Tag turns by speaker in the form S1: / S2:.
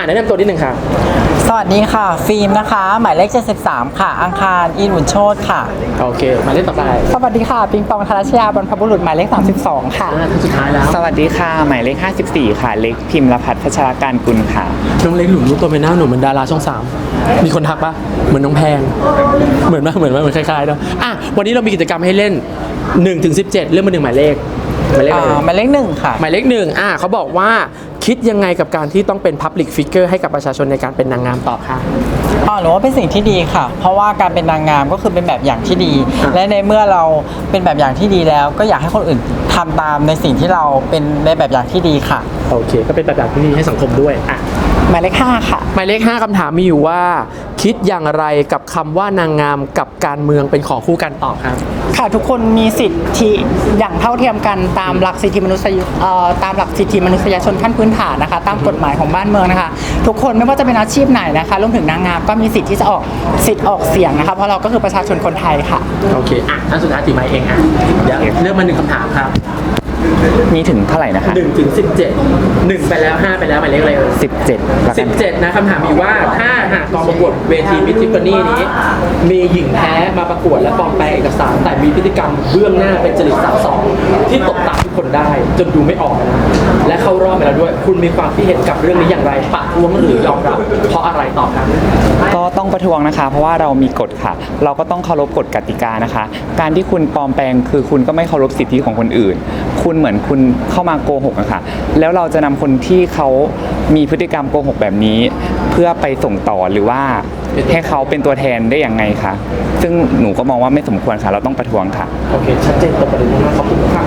S1: แนะนำตัวนิดนึงค่ะ
S2: สวัสดีค่ะฟิล์มนะคะหมายเลข73ค่ะอังคารอินหุ่นโชติค่ะ
S1: โอเคมาเล่นต่อไป
S2: สวัสดีค่ะปิงปองธารชยาบรรพบุรุษหมายเลข32ค่ะ
S1: ท่านสุดท้ายแล้ว
S3: สวัสดีค่ะหมายเลข54ค่ะเล็กพิมพ์รพัฒน์พัชรการกุลค่ะ
S1: น้องเล็กหลุมรู้ตัวเป็นหน้าหนูเหมือนดาราช่อง3มีคนทักปะเหมือนน้องแพงเหมือนคล้ายๆเนาะวันนี้เรามีกิจกรรมให้เล่น1-17เรื่องมา1หมายเลข
S2: หมายเลข1ค่ะ
S1: หมายเลข1เขาบอกว่าคิดยังไงกับการที่ต้องเป็น Public Figure ให้กับประชาชนในการเป็นนางงามตอบค่ะ
S2: หนูว่าเป็นสิ่งที่ดีค่ะเพราะว่าการเป็นนางงามก็คือเป็นแบบอย่างที่ดีและในเมื่อเราเป็นแบบอย่างที่ดีแล้วก็อยากให้คนอื่นทำตามในสิ่งที่เราเป็นในแบบอย่างที่ดีค่ะ
S1: โอเคก็เป็นแบบอย่างที่ดีให้สังคมด้วย
S2: หมายเลข5ค่ะ
S1: หมายเลข5คำถามมีอยู่ว่าคิดอย่างไรกับคำว่านางงามกับการเมืองเป็นของคู่กันตอบครับ
S2: ค่ะทุกคนมีสิทธิอย่างเท่าเทียมกันตามหลักสิทธิมนุษยชนขั้นพื้นฐานนะคะตามกฎหมายของบ้านเมืองนะคะทุกคนไม่ว่าจะเป็นอาชีพไหนนะคะรวมถึงนางงามก็มีสิทธิ์ที่จะออกเสียงนะคะเพราะเราก็คือประชาชนคนไทยค่ะ
S1: โอเคอันสุดท้ายถือไม้เองเดี๋ยวเลือกมา1คำถามครับ
S3: มีถึงเท่าไหร่นะคะ
S1: 1-17 1ไปแล้ว5ไปแล้วหมายเลขอะไร17นะคำถามมีว่าถ้าหากกองประกวดเวทีมิสทิฟฟานี่นี้มีหญิงแท้มาประกวดและปลอมแปลงเอกสารแต่มีพฤติกรรมเบื้องหน้าเป็นจริตสาวสองที่ตกตาทุกคนได้จนดูไม่ออกนะและเข้ารอบไปแล้วด้วยคุณมีความคิดเห็นกับเรื่องนี้อย่างไรประท้วงหรือยอมรับเพราะอะไรตอบครับ
S3: ก็ต้องประท้วงนะคะเพราะว่าเรามีกฎค่ะเราก็ต้องเคารพกฎกติกานะคะการที่คุณปลอมแปลงคือคุณก็ไม่เคารพสิทธิของคนอื่นคุณเหมือนคุณเข้ามาโกหกอะค่ะแล้วเราจะนำคนที่เขามีพฤติกรรมโกหกแบบนี้เพื่อไปส่งต่อหรือว่าให้เขาเป็นตัวแทนได้อย่างไงคะซึ่งหนูก็มองว่าไม่สมควรค่ะเราต้องประท้วงค่ะ
S1: โอเคชัดเจนตรงประเด็นมากขอบคุณค่ะ